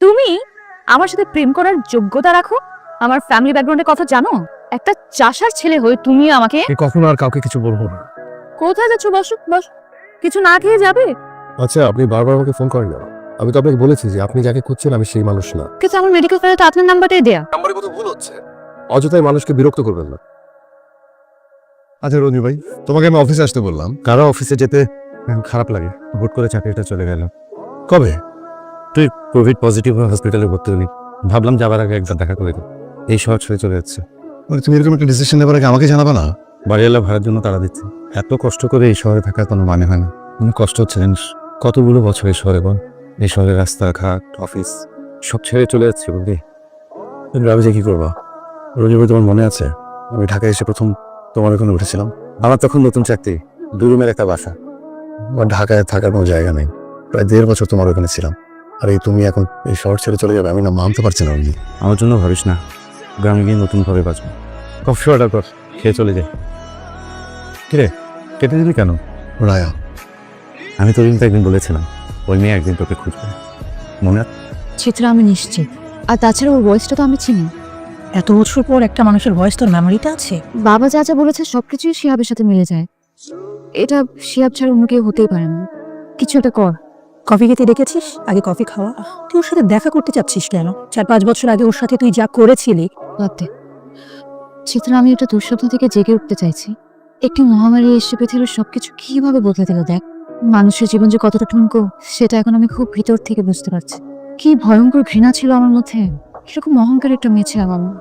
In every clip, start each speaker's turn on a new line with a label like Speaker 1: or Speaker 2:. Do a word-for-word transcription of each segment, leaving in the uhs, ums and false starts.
Speaker 1: তুমি আমার সাথে প্রেম করার যোগ্যতা রাখো? আমার ফ্যামিলি ব্যাকগ্রাউন্ডের কথা জানো? একটা চাষার ছেলে হয়ে তুমি আমাকে
Speaker 2: কখনো আর কাউকে কিছু বলবো না।
Speaker 1: কোথায় যাচ্ছ? বসো বস। কিছু না খেয়ে যাবে?
Speaker 2: আচ্ছা, আপনি বারবার আমাকে ফোন করেন না। আমি তো আপনাকে বলেছি যে আপনি যাকে খুঁজছেন আমি সেই মানুষ না।
Speaker 1: কিন্তু আমার মেডিকেল ফাইলে তো আপনার নাম্বারটাই দেয়া।
Speaker 2: নাম্বারে কত ভুল হচ্ছে। অযথাই মানুষকে বিরক্ত করবেন না। আচ্ছা রঞ্জু ভাই, তোমাকে আমি অফিসে আসতে বললাম।
Speaker 3: কারো অফিসে যেতে খারাপ লাগে। হুট করে চাকরিটা চলে গেল।
Speaker 2: কবে?
Speaker 3: তুই কোভিড পজিটিভ হসপিটালে ভর্তি হলি, ভাবলাম যাবার আগে একবার দেখা করে দিই। এই শহর ছেড়ে চলে যাচ্ছে।
Speaker 2: মানে তুমি এরকম একটা ডিসিশন নেবার আগে আমাকে জানাবা না?
Speaker 3: বাড়িওয়ালা ভাড়ার জন্য তাড়া দিচ্ছে। এত কষ্ট করে এই শহরে থাকার কোনো মানে হয় না। অনেক কষ্ট হচ্ছে জানিস। কতগুলো বছর এই শহরে বল, এই শহরের রাস্তাঘাট অফিস সব ছেড়ে চলে যাচ্ছে বুঝলি।
Speaker 2: কিন্তু আমি যে কি করবো? রঞ্জু ভাই, তোমার মনে আছে আমি ঢাকায় এসে প্রথম তোমার ওখানে উঠেছিলাম?
Speaker 3: আমার তখন নতুন চাকরি, দু রুমের একটা বাসা।
Speaker 2: আমার ঢাকায় থাকার কোনো জায়গা নেই। প্রায় দেড় বছর তোমার ওখানে ছিলাম, আর এই তুমি এখন এই শহর ছেড়ে চলে যাবে, আমি না মানতে পারছি না রঞ্জু।
Speaker 3: আমার জন্য ভাবিস না, গ্রামে গিয়ে নতুনভাবে বাঁচবো। কফি অর্ডার কর, খেয়ে চলে যাই। কিরে কেটে দিলি কেন?
Speaker 2: রায়া,
Speaker 3: আমি তোর কিন্তু একদিন বলেছিলাম ওই মেয়ে একদিন তোকে খুঁজবে, মনে আছে?
Speaker 1: চিত্রা আমি নিশ্চিত। আর তাছাড়া ওর ভয়েসটা তো আমি চিনি।
Speaker 4: এত বছর পর একটা মানুষের ভয়েস তোর মেমোরিতে আছে?
Speaker 1: বাবা যা যা বলেছে সবকিছুই শিহাবের সাথে মিলে যায়। এটা শিহাব ছাড়া অন্য কেউ হতেই পারে না। কিছু একটা কর।
Speaker 4: কফি খেতে ডেকেছিস, আগে কফি খাওয়া। তুই ওর সাথে দেখা করতে চাচ্ছিস কেন? চার পাঁচ বছর আগে ওর সাথে তুই যা করেছিলি।
Speaker 1: বাদ দে। চিত্রা, আমি একটা দুঃস্বপ্ন থেকে জেগে উঠতে চাইছি। একটি মহামারী এসে পৃথিবীর সবকিছু কিভাবে বদলে দিল দেখ। মানুষের জীবন যে কতটা ঠুনকো সেটা এখন আমি খুব ভিতর থেকে বুঝতে পারছি। কি ভয়ঙ্কর ঘৃণা ছিল আমার মধ্যে, কিরকম অহংকার একটা মেয়ে ছিলাম আমি।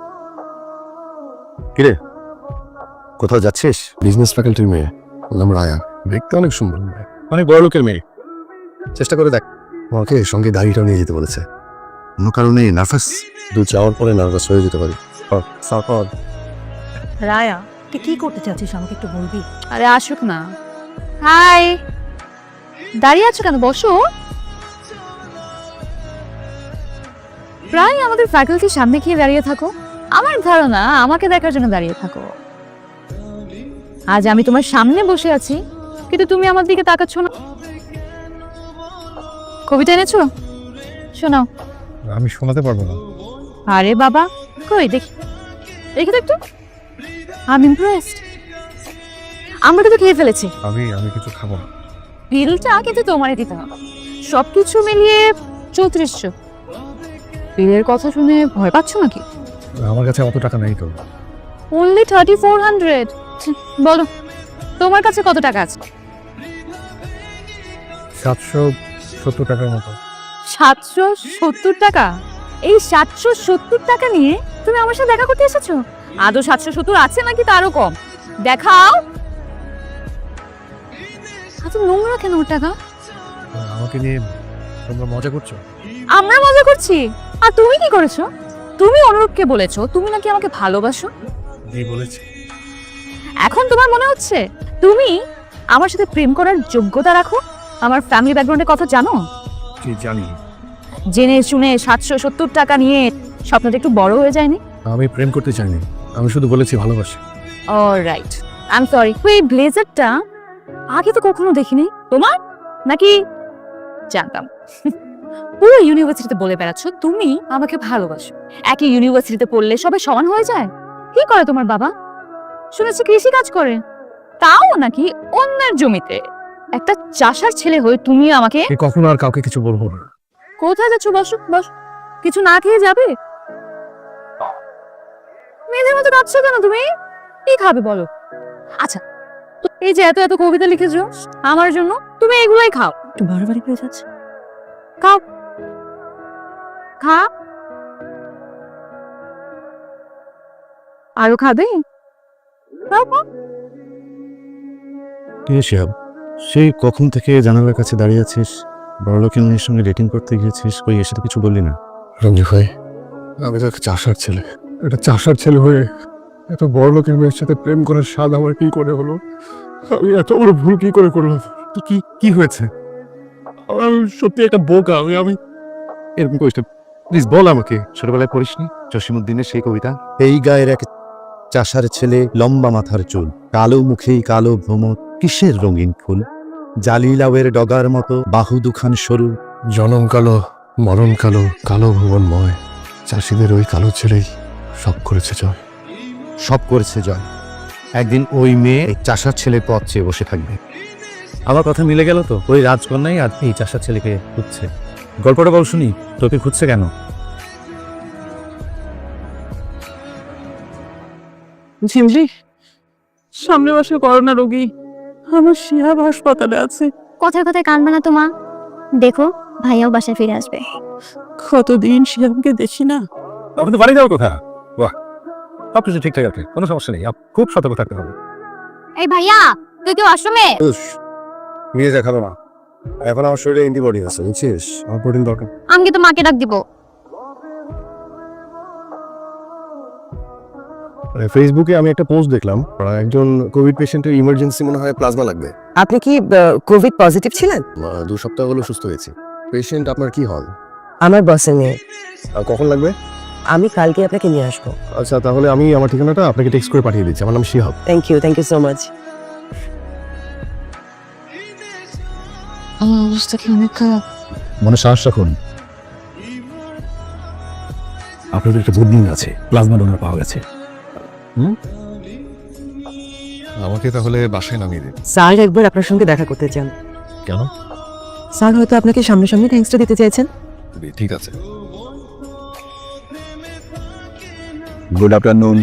Speaker 3: কিরে কোথাও যাচ্ছিস?
Speaker 2: বিজনেস ফ্যাকাল্টির মেয়ে, ওর নাম রায়া। দেখতে অনেক সুন্দর মেয়ে,
Speaker 3: অনেক বড় লোকের মেয়ে। চেষ্টা করে দেখ।
Speaker 2: আমাকে সঙ্গে গাড়িটাও নিয়ে যেতে বলেছে।
Speaker 3: কোনো কারণে নার্ভাস?
Speaker 2: দু যাওয়ার পরে নার্ভাস হয়ে যেতে পারি।
Speaker 4: রায়া, তুই কি করতে চাচ্ছিস আমাকে একটু বলবি?
Speaker 1: আরে আসুক না। হাই, দাঁড়িয়ে আছো কেন? বসো। প্রায় আমাদের ফ্যাকাল্টির সামনে গিয়ে দাঁড়িয়ে থাকো। আমার ধারণা আমাকে দেখার জন্য দাঁড়িয়ে থাকো। আজ আমি তোমার সামনে বসে আছি, কিন্তু তুমি আমার দিকে তাকাচ্ছ না। কবিতা এনেছো? শোনাও।
Speaker 2: আমি শোনাতে পারবো না।
Speaker 1: আরে বাবা, কই দেখি, দেখি তো একটু। I am impressed. আমরা কিন্তু খেয়ে ফেলেছি
Speaker 2: আমি আমি কিছু খাবো না।
Speaker 1: বিলটা কিন্তু তোমারই দিতে হবে। সবকিছু মিলিয়ে চৌত্রিশশো। বিলের কথা শুনে ভয় পাচ্ছ নাকি?
Speaker 2: আমার কাছে অত টাকা নেই তো।
Speaker 1: Only thirty four hundred. বলো তোমার কাছে কত টাকা আছে?
Speaker 2: সাতশো সত্তর টাকার মতো।
Speaker 1: সাতশো সত্তর টাকা? এই সাতশো সত্তর টাকা নিয়ে তুমি আমার সাথে দেখা করতে এসেছো? আদৌ সাতশো সত্তর আছে নাকি তারও কম? দেখাও। এত নোংরা কেন ওর টাকা?
Speaker 2: আমাকে নিয়ে তোমরা মজা করছো?
Speaker 1: আমরা মজা করছি? আর তুমি কি করেছো? তুমি অনুরূপকে বলেছো তুমি নাকি আমাকে ভালোবাসো।
Speaker 2: এই বলেছি।
Speaker 1: এখন তোমার মনে হচ্ছে তুমি আমার সাথে প্রেম করার যোগ্যতা রাখো? আমার ফ্যামিলি ব্যাকগ্রাউন্ডের কথা জানো?
Speaker 2: কি জানি?
Speaker 1: জেনে শুনে সাতশো সত্তর টাকা নিয়ে স্বপ্নটা একটু বড় হয়ে যায়নি?
Speaker 2: আমি প্রেম করতে চাইনি, আমি শুধু বলেছি ভালোবাসি।
Speaker 1: Alright, I am sorry. এই ব্লেজারটা আগে তো কখনো দেখিনি তোমার, নাকি জানতাম? পুরো ইউনিভার্সিটিতে বলে বেড়াচ্ছ তুমি আমাকে ভালোবাসো। একই ইউনিভার্সিটিতে পড়লে সবাই সমান হয়ে যায়? কি করে তোমার বাবা? শুনেছি কৃষি কাজ করে, তাও নাকি অন্যের জমিতে। একটা চাষার ছেলে হয়ে তুমি আমাকে
Speaker 2: কখনো আর কাউকে কিছু বলবো না।
Speaker 1: কোথায় যাচ্ছ? বসো বস। কিছু না খেয়ে যাবে? মেয়েদের মতো কাঁদছো কেন তুমি? কি খাবে বলো? আচ্ছা, তো এই যে এত এত কবিতা লিখেছো আমার জন্য, তুমি এগুলোই খাও।
Speaker 4: একটু বাড়াবাড়ি হয়ে যাচ্ছে।
Speaker 1: খাও, খা। আরো খাবে? খাও, খাও।
Speaker 3: কে শিহাব? সেই কখন থেকে জানালার কাছে দাঁড়িয়ে আছিস, বড় লোকের মেয়ের সঙ্গে ডেটিং করতে গিয়েছিস, কই এসে তো কিছু বললি না?
Speaker 2: রঞ্জু ভাই, আমি তো একটা চাষার ছেলে। একটা চাষার ছেলে হয়ে এত বড় লোকের মেয়ের সাথে প্রেম করার স্বাদ আমার কি করে হলো? আমি এত বড় ভুল কি করে করলাম?
Speaker 3: তো কি কি হয়েছে?
Speaker 2: আমি সত্যি একটা বোকা। আমি আমি
Speaker 3: এরকম করিস না, প্লিজ বল আমাকে। ছোটবেলায় পড়িসনি জসিমউদ্দিনের সেই কবিতা? এই গায়ের এক চাষার ছেলে, লম্বা মাথার চুল, কালো মুখেই কালো ভ্রমর, কিসের রঙিন ফুল, জালি লাউয়ের ডগার মতো বাহু দুখান সরু,
Speaker 2: জনম কালো মরণ কালো কালো ভুবনময়, চাষিদের ওই কালো ছেলেই সব করেছে জয়।
Speaker 3: সব করেছে জয়। একদিন ওই মেয়ে এই চাষার ছেলের পথ চেয়ে বসে থাকবে।
Speaker 5: আমার কথা মিলে গেল তো, ওই রাজকন্যাই আর এই চাষার ছেলেকে খুঁজছে। গল্পটা বল শুনি, তোকে খুঁজছে কেন?
Speaker 6: ঝিমলি, সামনের মাসে করোনা রোগী আমার শিহাব হাসপাতালে আছে।
Speaker 7: কথায় কথায় কানবে না তো মা, দেখো ভাইয়াও বাসায় ফিরে আসবে।
Speaker 6: কতদিন শিহাবকে দেখি না।
Speaker 5: আপনাদের বাড়ি যাওয়ার কথা? বাহ, সব কিছু ঠিকঠাক আছে, কোনো সমস্যা নেই। আপ- খুব সতর্ক থাকতে হবে।
Speaker 7: এই ভাইয়া, তুই কি আশ্রমে?
Speaker 2: নিয়ে দেখাবো না, এখন আমার শরীরে অ্যান্টিবডি আছে, বুঝছিস? আমার প্রোটিন দরকার।
Speaker 7: আমি তো মাকে ডাক দিব।
Speaker 2: ফেসবুকে আমি একটা পোস্ট দেখলাম, একজন কোভিড পেশেন্টের ইমার্জেন্সি মনে হয় প্লাজমা লাগবে।
Speaker 8: আপনি কি কোভিড পজিটিভ ছিলেন?
Speaker 2: আহ, দু সপ্তাহ হলো সুস্থ হয়েছি। পেশেন্ট আপনার কি হল?
Speaker 8: আমার বসের মেয়ে।
Speaker 2: আর কখন লাগবে?
Speaker 8: আমি কালকে আপনাকে নিয়ে আসবো।
Speaker 2: আচ্ছা, তাহলে আমি আমার ঠিকানাটা আপনাকে টেক্সট করে পাঠিয়ে দিচ্ছি। আমার নাম Shihab.
Speaker 8: Thank you, thank you so much.
Speaker 1: আমার অবস্থা কি অনেক খারাপ।
Speaker 5: মনে সাহস রাখুন, আপনাদের একটা গুড নিউজ আছে, প্লাজমা ডোনার পাওয়া গেছে।
Speaker 2: আমাকে তাহলে বাসায় নামিয়ে দিন।
Speaker 8: স্যার একবার আপনার সঙ্গে দেখা করতে চান।
Speaker 5: কেন?
Speaker 8: স্যার হয়তো আপনাকে সামনাসামনি থ্যাঙ্কসটা দিতে চাইছেন।
Speaker 2: ঠিক আছে।
Speaker 9: Good afternoon.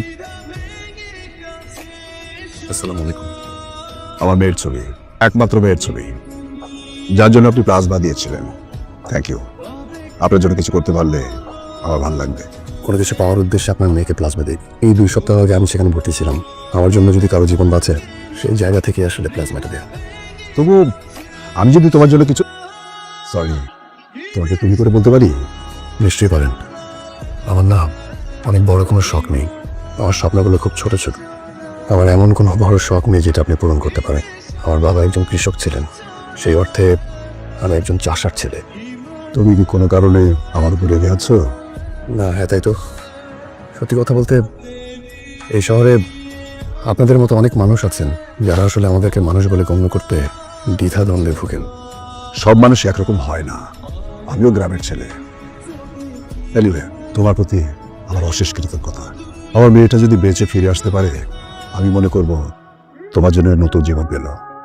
Speaker 2: আসসালামু আলাইকুম।
Speaker 9: আমার মেয়ের ছবি, একমাত্র মেয়ের ছবি, যার জন্য আপনি প্লাজমা দিয়েছিলেন। Thank you. আপনার জন্য কিছু করতে পারলে আমার ভালো লাগবে।
Speaker 2: কোনো কিছু পাওয়ার উদ্দেশ্যে আপনার মেয়েকে প্লাজমা দিই। এই দুই সপ্তাহ আগে আমি সেখানে ভর্তি ছিলাম। আমার জন্য যদি কারো জীবন বাঁচে, সেই জায়গা থেকে আসলে প্লাজমাটা দেয়া।
Speaker 9: তবু আমি যদি তোমার জন্য কিছু, সরি,
Speaker 2: তোমাকে তুমি করে বলতে পারি? নিশ্চয়ই পারেন। আমার না অনেক বড় কোনো শখ নেই, আমার স্বপ্নগুলো খুব ছোট ছোট। আমার এমন কোনো বড় শখ নেই যেটা আপনি পূরণ করতে পারেন। আমার বাবা একজন কৃষক ছিলেন, সেই অর্থে আমি একজন চাষার ছেলে।
Speaker 9: তুমি কি কোনো কারণে আমার উপরে রেগে আছো?
Speaker 2: না, হ্যাঁ তাই তো। সত্যি কথা বলতে এই শহরে আপনাদের মতো অনেক মানুষ আছেন যারা আসলে আমাদেরকে মানুষ বলে গণ্য করতে দ্বিধাদ্বন্দ্বে ভুগেন।
Speaker 9: সব মানুষ একরকম হয় না, আমিও গ্রামের ছেলে। এনিওয়ে, তোমার প্রতি আমার অশেষ কৃতজ্ঞতা। আমার মেয়েটা যদি বেঁচে ফিরে আসতে পারে, আমি মনে করব তোমার জন্য নতুন জীবন পেল।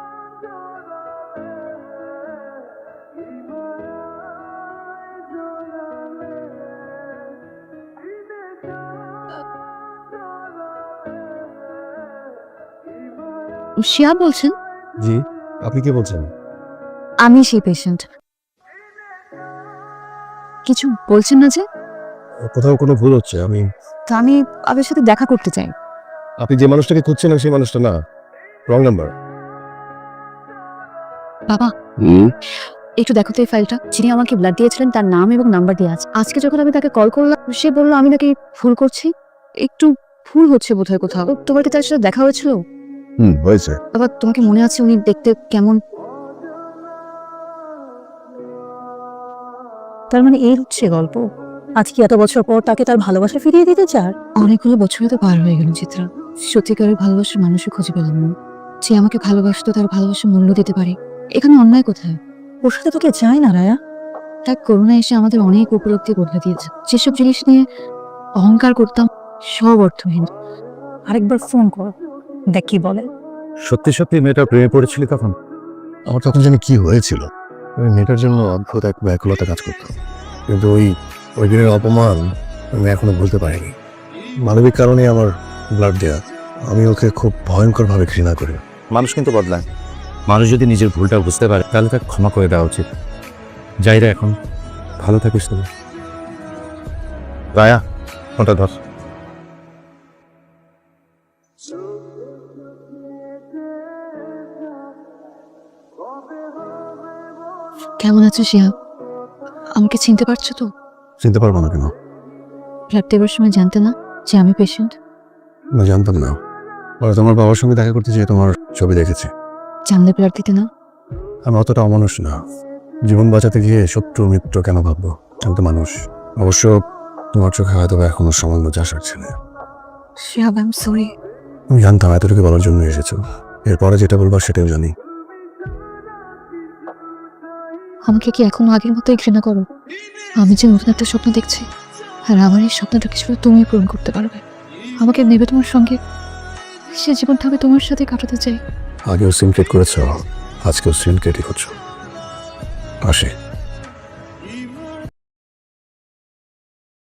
Speaker 1: শিয়া বলছেন?
Speaker 2: জি, আপনি কি বলছেন?
Speaker 1: আমি সেই পেশেন্ট। কিছু বলছেন না যে?
Speaker 2: কোথাও কোনো ভুল হচ্ছে। আমি
Speaker 1: তো আমি আপনার সাথে দেখা করতে চাই।
Speaker 2: আপনি যে মানুষটাকে খুঁজছেন সেই মানুষটা না, রং নাম্বার।
Speaker 1: বাবা, একটু দেখো তো এই ফাইলটা। যিনি আমাকে ব্লাড দিয়েছিলেন তার নাম এবং নাম্বার দেওয়া আছে। আজকে যখন আমি তাকে কল করলাম, সে বললো আমি নাকি ভুল করছি। একটু ভুল হচ্ছে বোধহয় কোথাও। তোমার কি তার সাথে দেখা হয়েছিল?
Speaker 9: হুম, হয়েছে।
Speaker 1: বাবা, তোমাকে মনে আছে উনি দেখতে কেমন?
Speaker 4: তার মানে এই হচ্ছে গল্প। আজকে এত বছর পর তাকে তার ভালোবাসা ফিরিয়ে দিতে চার?
Speaker 1: অনেকগুলো বছরই তো পার হয়ে গেল চিত্রা। সত্যিকারের ভালোবাসার মানুষই খুঁজে পেলাম না। যে আমাকে ভালোবাসতো তার ভালোবাসার মূল্য দিতে পারে। এখানে অন্যায় কোথায়?
Speaker 4: ওর সাথে তোকে চায় না রায়া।
Speaker 1: এক করোনা এসে আমাদের অনেক উপলব্ধি বদলে দিয়েছে। যেসব জিনিস নিয়ে অহংকার করতাম সব অর্থহীন।
Speaker 4: আরেকবার ফোন কর, দেখ কি বলে।
Speaker 5: সত্যি সত্যি মেয়েটা প্রেমে পড়েছিলি তখন?
Speaker 2: আমার তখন জানি কি হয়েছিল। ওই মেয়েটার জন্য অদ্ভুত এক ব্যাকুলতা কাজ করতো, কিন্তু ওই ওই দিনের অপমান আমি এখনো ভুলতে পারিনি। মানবিক কারণে আমার ব্লাড দেয়া। আমি ওকে খুব ভয়ঙ্করভাবে ঘৃণা করি।
Speaker 5: মানুষ কিন্তু বদলায়। মানুষ যদি নিজের ভুলটা বুঝতে পারে তাহলে তাকে ক্ষমা করে দেওয়া উচিত। যাই রে, এখন ভালো থাকিস তুমি। রায়া, ফোনটা ধর।
Speaker 1: কেমন আছো শিয়া? আমাকে চিনতে পারছো তো?
Speaker 2: চিনতে পারবো না কেন?
Speaker 1: ব্লাড দেওয়ার সময় জানতে না যে আমি পেশেন্ট?
Speaker 2: না, জানতাম না। পরে তোমার বাবার সঙ্গে দেখা করতে যেয়ে তোমার ছবি দেখেছি।
Speaker 1: জানলে ব্লাড দিতে না?
Speaker 2: আমি অতটা অমানুষ না। জীবন বাঁচাতে গিয়ে শত্রু মিত্র কেন ভাববো? আমি তো মানুষ। অবশ্য তোমার চোখে হয়তো এখনো সামান্য চাষার ছেলে।
Speaker 1: Shihab, I am sorry.
Speaker 2: আমি জানতাম এতটুকু বলার জন্য এসেছো। এরপরে যেটা বলবার সেটাও জানি।
Speaker 1: আমাকে কি এখনো আগের মতোই ঘৃণা করো? আমি যে নতুন একটা স্বপ্ন দেখছি, আর আমার এই স্বপ্নটা কিছু তুমি পূরণ করতে পারবে। আমাকে নেবে তোমার সঙ্গে, সে জীবনটা আমি তোমার সাথে কাটাতে চাই।
Speaker 2: আগেও সিনক্রেট করেছ, আজকেও সিনক্রেটই করছো। আসে